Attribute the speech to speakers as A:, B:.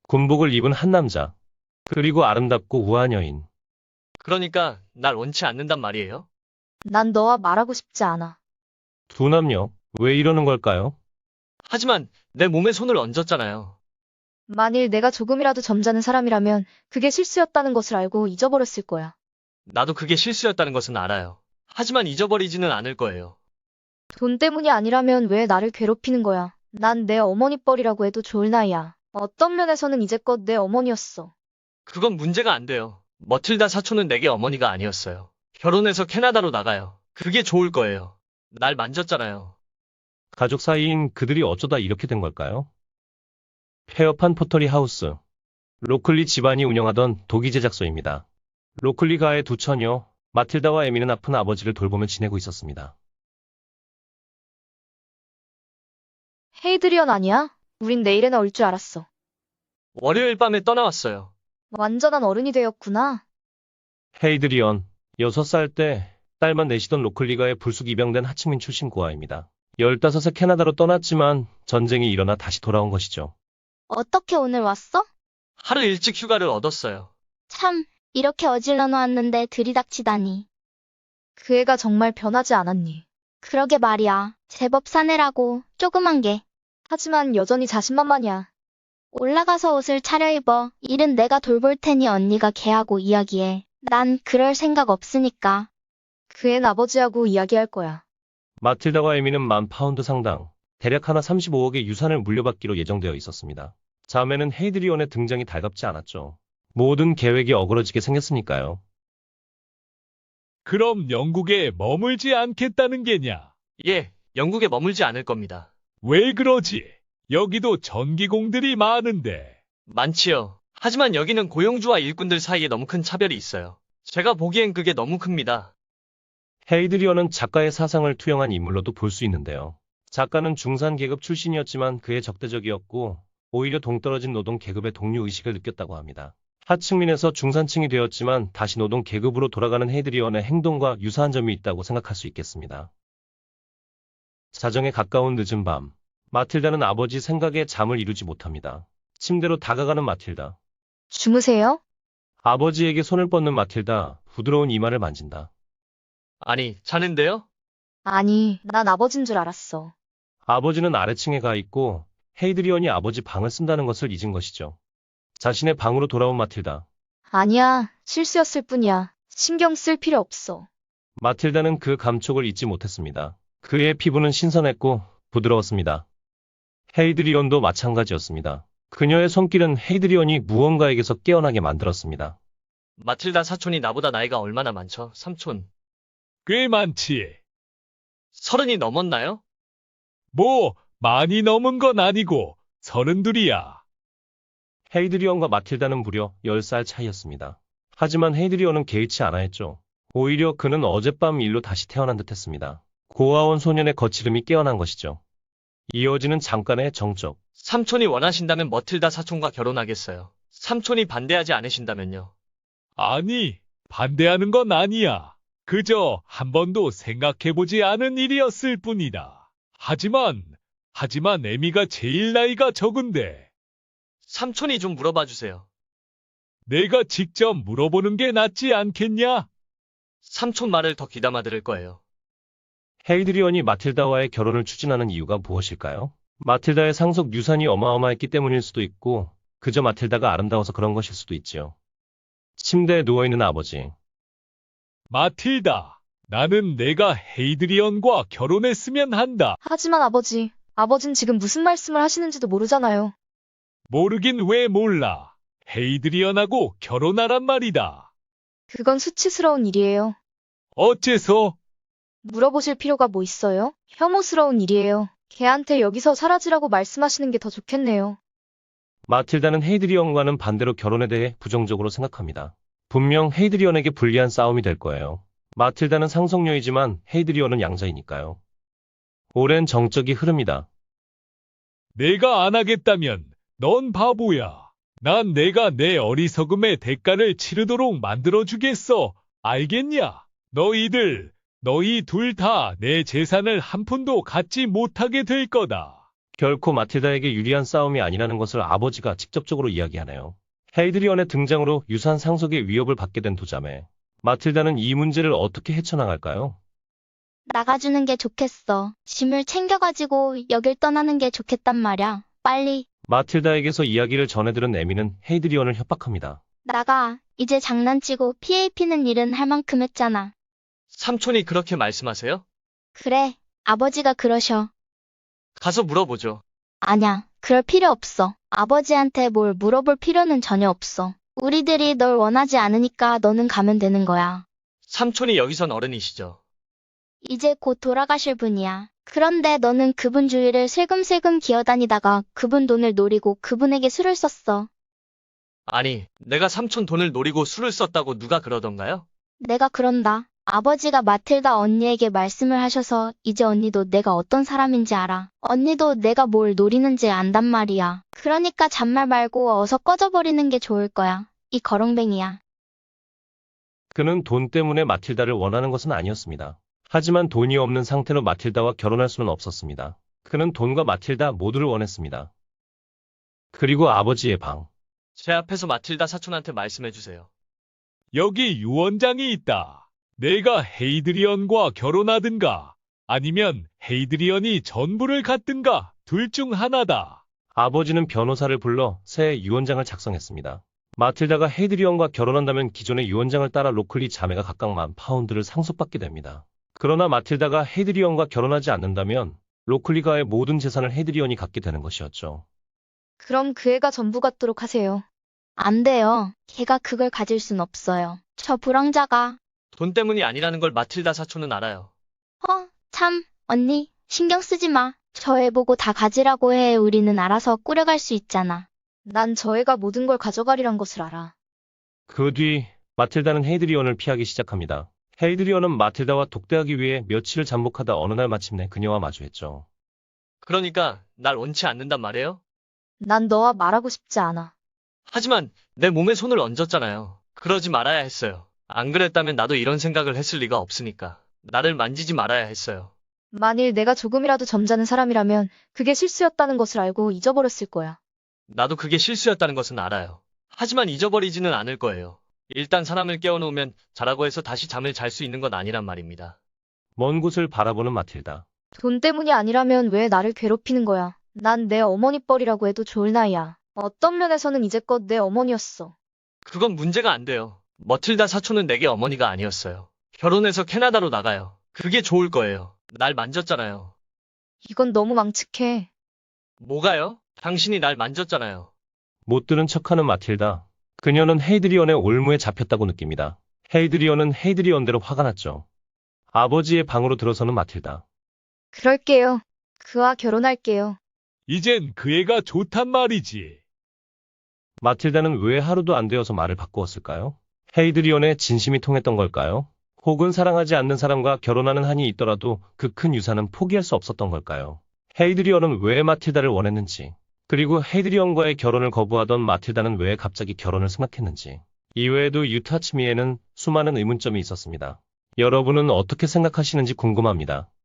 A: 군복을 입은 한 남자, 그리고 아름답고 우아한 여인.
B: 그러니까 날 원치 않는단 말이에요?
C: 난 너와 말하고 싶지 않아.
A: 두 남녀, 왜 이러는 걸까요?
B: 하지만 내 몸에 손을 얹었잖아요.
C: 만일 내가 조금이라도 점잖은 사람이라면 그게 실수였다는 것을 알고 잊어버렸을 거야.
B: 나도 그게 실수였다는 것은 알아요. 하지만 잊어버리지는 않을 거예요.
C: 돈 때문이 아니라면 왜 나를 괴롭히는 거야? 난 내 어머니 뻘이라고 해도 좋을 나이야. 어떤 면에서는 이제껏 내 어머니였어.
B: 그건 문제가 안 돼요. 머틸다 사촌은 내게 어머니가 아니었어요. 결혼해서 캐나다로 나가요. 그게 좋을 거예요. 날 만졌잖아요.
A: 가족 사이인 그들이 어쩌다 이렇게 된 걸까요? 폐업한 포터리 하우스. 로클리 집안이 운영하던 독이 제작소입니다. 로클리 가의 두 처녀, 마틸다와 에미는 아픈 아버지를 돌보며 지내고 있었습니다.
C: 헤이드리언 아니야? 우린 내일에나 올 줄 알았어.
B: 월요일 밤에 떠나왔어요.
C: 완전한 어른이 되었구나.
A: 헤이드리언, 6살 때 딸만 내시던 로클리가의 불쑥 입양된 하층민 출신 고아입니다. 15세 캐나다로 떠났지만 전쟁이 일어나 다시 돌아온 것이죠.
D: 어떻게 오늘 왔어?
B: 하루 일찍 휴가를 얻었어요.
D: 참, 이렇게 어질러 놓았는데 들이닥치다니.
C: 그 애가 정말 변하지 않았니?
D: 그러게 말이야. 제법 사내라고, 조그만 게.
C: 하지만 여전히 자신만만이야.
D: 올라가서 옷을 차려입어. 일은 내가 돌볼 테니 언니가 걔하고 이야기해. 난 그럴 생각 없으니까.
C: 그 앤 아버지하고 이야기할 거야.
A: 마틸다와 에미는 10,000파운드 상당, 대략 하나 35억의 유산을 물려받기로 예정되어 있었습니다. 자매는 헤이드리온의 등장이 달갑지 않았죠. 모든 계획이 어그러지게 생겼으니까요.
E: 그럼 영국에 머물지 않겠다는 게냐?
B: 예, 영국에 머물지 않을 겁니다.
E: 왜 그러지? 여기도 전기공들이 많은데.
B: 많지요. 하지만 여기는 고용주와 일꾼들 사이에 너무 큰 차별이 있어요. 제가 보기엔 그게 너무 큽니다.
A: 헤이드리온은 작가의 사상을 투영한 인물로도 볼 수 있는데요. 작가는 중산계급 출신이었지만 그의 적대적이었고 오히려 동떨어진 노동 계급의 동료의식을 느꼈다고 합니다. 하층민에서 중산층이 되었지만 다시 노동 계급으로 돌아가는 헤이드리온의 행동과 유사한 점이 있다고 생각할 수 있겠습니다. 자정에 가까운 늦은 밤, 마틸다는 아버지 생각에 잠을 이루지 못합니다. 침대로 다가가는 마틸다.
C: 주무세요?
A: 아버지에게 손을 뻗는 마틸다, 부드러운 이마를 만진다.
B: 아니, 자는데요?
C: 아니, 난 아버진 줄 알았어.
A: 아버지는 아래층에 가 있고 헤이드리온이 아버지 방을 쓴다는 것을 잊은 것이죠. 자신의 방으로 돌아온 마틸다.
C: 아니야, 실수였을 뿐이야. 신경 쓸 필요 없어.
A: 마틸다는 그 감촉을 잊지 못했습니다. 그의 피부는 신선했고 부드러웠습니다. 헤이드리온도 마찬가지였습니다. 그녀의 손길은 헤이드리온이 무언가에게서 깨어나게 만들었습니다.
B: 마틸다 사촌이 나보다 나이가 얼마나 많죠? 삼촌.
E: 꽤 많지.
B: 30이 넘었나요?
E: 뭐, 많이 넘은 건 아니고, 32이야.
A: 헤이드리온과 마틸다는 무려 10살 차이였습니다. 하지만 헤이드리온은 개의치 않아 했죠. 오히려 그는 어젯밤 일로 다시 태어난 듯했습니다. 고아원 소년의 거칠음이 깨어난 것이죠. 이어지는 잠깐의 정적.
B: 삼촌이 원하신다면 머틸다 사촌과 결혼하겠어요. 삼촌이 반대하지 않으신다면요.
E: 아니, 반대하는 건 아니야. 그저 한 번도 생각해보지 않은 일이었을 뿐이다. 하지만 에미가 제일 나이가 적은데,
B: 삼촌이 좀 물어봐 주세요.
E: 내가 직접 물어보는 게 낫지 않겠냐?
B: 삼촌 말을 더 귀담아 들을 거예요.
A: 헤이드리온이 마틸다와의 결혼을 추진하는 이유가 무엇일까요? 마틸다의 상속 유산이 어마어마했기 때문일 수도 있고 그저 마틸다가 아름다워서 그런 것일 수도 있지요. 침대에 누워있는 아버지.
E: 마틸다, 나는 내가 헤이드리언과 결혼했으면 한다.
C: 하지만 아버진 지금 무슨 말씀을 하시는지도 모르잖아요.
E: 모르긴 왜 몰라. 헤이드리언하고 결혼하란 말이다.
C: 그건 수치스러운 일이에요.
E: 어째서?
C: 물어보실 필요가 뭐 있어요? 혐오스러운 일이에요. 걔한테 여기서 사라지라고 말씀하시는 게 더 좋겠네요.
A: 마틸다는 헤이드리언과는 반대로 결혼에 대해 부정적으로 생각합니다. 분명 헤이드리언에게 불리한 싸움이 될 거예요. 마틸다는 상속녀이지만 헤이드리언은 양자이니까요. 오랜 정적이 흐릅니다.
E: 내가 안 하겠다면 넌 바보야. 난 내가 내 어리석음의 대가를 치르도록 만들어주겠어. 알겠냐? 너희 둘 다 내 재산을 한 푼도 갖지 못하게 될 거다.
A: 결코 마틸다에게 유리한 싸움이 아니라는 것을 아버지가 직접적으로 이야기하네요. 헤이드리언의 등장으로 유산 상속의 위협을 받게 된 두 자매. 마틸다는 이 문제를 어떻게 헤쳐나갈까요?
D: 나가주는 게 좋겠어. 짐을 챙겨가지고 여길 떠나는 게 좋겠단 말야. 빨리
A: 마틸다에게서 이야기를 전해들은 에미는 헤이드리언을 협박합니다.
D: 나가. 이제 장난치고 피해 입히는 일은 할 만큼 했잖아.
B: 삼촌이 그렇게 말씀하세요?
D: 그래, 아버지가 그러셔.
B: 가서 물어보죠.
D: 아냐, 그럴 필요 없어. 아버지한테 뭘 물어볼 필요는 전혀 없어. 우리들이 널 원하지 않으니까 너는 가면 되는 거야.
B: 삼촌이 여기선 어른이시죠.
D: 이제 곧 돌아가실 분이야. 그런데 너는 그분 주위를 슬금슬금 기어다니다가 그분 돈을 노리고 그분에게 술을 썼어.
B: 아니, 내가 삼촌 돈을 노리고 술을 썼다고 누가 그러던가요?
D: 내가 그런다. 아버지가 마틸다 언니에게 말씀을 하셔서 이제 언니도 내가 어떤 사람인지 알아. 언니도 내가 뭘 노리는지 안단 말이야. 그러니까 잔말 말고 어서 꺼져버리는 게 좋을 거야. 이 거렁뱅이야.
A: 그는 돈 때문에 마틸다를 원하는 것은 아니었습니다. 하지만 돈이 없는 상태로 마틸다와 결혼할 수는 없었습니다. 그는 돈과 마틸다 모두를 원했습니다. 그리고 아버지의 방.
B: 제 앞에서 마틸다 사촌한테 말씀해주세요.
E: 여기 유언장이 있다. 내가 헤이드리언과 결혼하든가 아니면 헤이드리언이 전부를 갖든가 둘 중 하나다.
A: 아버지는 변호사를 불러 새 유언장을 작성했습니다. 마틸다가 헤이드리언과 결혼한다면 기존의 유언장을 따라 로클리 자매가 각각 10,000파운드를 상속받게 됩니다. 그러나 마틸다가 헤이드리언과 결혼하지 않는다면 로클리가의 모든 재산을 헤이드리언이 갖게 되는 것이었죠.
C: 그럼 그 애가 전부 갖도록 하세요.
D: 안 돼요. 걔가 그걸 가질 순 없어요. 저 불황자가.
B: 돈 때문이 아니라는 걸 마틸다 사촌은 알아요.
D: 참, 언니, 신경 쓰지 마. 저 애 보고 다 가지라고 해. 우리는 알아서 꾸려갈 수 있잖아.
C: 난 저 애가 모든 걸 가져가리란 것을 알아.
A: 그 뒤 마틸다는 헤이드리언을 피하기 시작합니다. 헤이드리언은 마틸다와 독대하기 위해 며칠을 잠복하다 어느 날 마침내 그녀와 마주했죠.
B: 그러니까 날 원치 않는단 말이에요?
C: 난 너와 말하고 싶지 않아.
B: 하지만 내 몸에 손을 얹었잖아요. 그러지 말아야 했어요. 안 그랬다면 나도 이런 생각을 했을 리가 없으니까. 나를 만지지 말아야 했어요.
C: 만일 내가 조금이라도 점잖은 사람이라면 그게 실수였다는 것을 알고 잊어버렸을 거야.
B: 나도 그게 실수였다는 것은 알아요. 하지만 잊어버리지는 않을 거예요. 일단 사람을 깨워놓으면 자라고 해서 다시 잠을 잘 수 있는 건 아니란 말입니다.
A: 먼 곳을 바라보는 마틸다.
C: 돈 때문이 아니라면 왜 나를 괴롭히는 거야. 난 내 어머니 뻘이라고 해도 좋을 나이야. 어떤 면에서는 이제껏 내 어머니였어.
B: 그건 문제가 안 돼요. 머틸다 사촌은 내게 어머니가 아니었어요. 결혼해서 캐나다로 나가요. 그게 좋을 거예요. 날 만졌잖아요.
C: 이건 너무 망측해.
B: 뭐가요? 당신이 날 만졌잖아요.
A: 못 들은 척하는 마틸다. 그녀는 헤이드리언의 올무에 잡혔다고 느낍니다. 헤이드리언은 헤이드리언대로 화가 났죠. 아버지의 방으로 들어서는 마틸다.
C: 그럴게요. 그와 결혼할게요.
E: 이젠 그 애가 좋단 말이지.
A: 마틸다는 왜 하루도 안 되어서 말을 바꾸었을까요? 헤이드리언의 진심이 통했던 걸까요? 혹은 사랑하지 않는 사람과 결혼하는 한이 있더라도 그 큰 유산은 포기할 수 없었던 걸까요? 헤이드리언은 왜 마틸다를 원했는지, 그리고 헤이드리언과의 결혼을 거부하던 마틸다는 왜 갑자기 결혼을 승낙했는지, 이외에도 유타치미에는 수많은 의문점이 있었습니다. 여러분은 어떻게 생각하시는지 궁금합니다.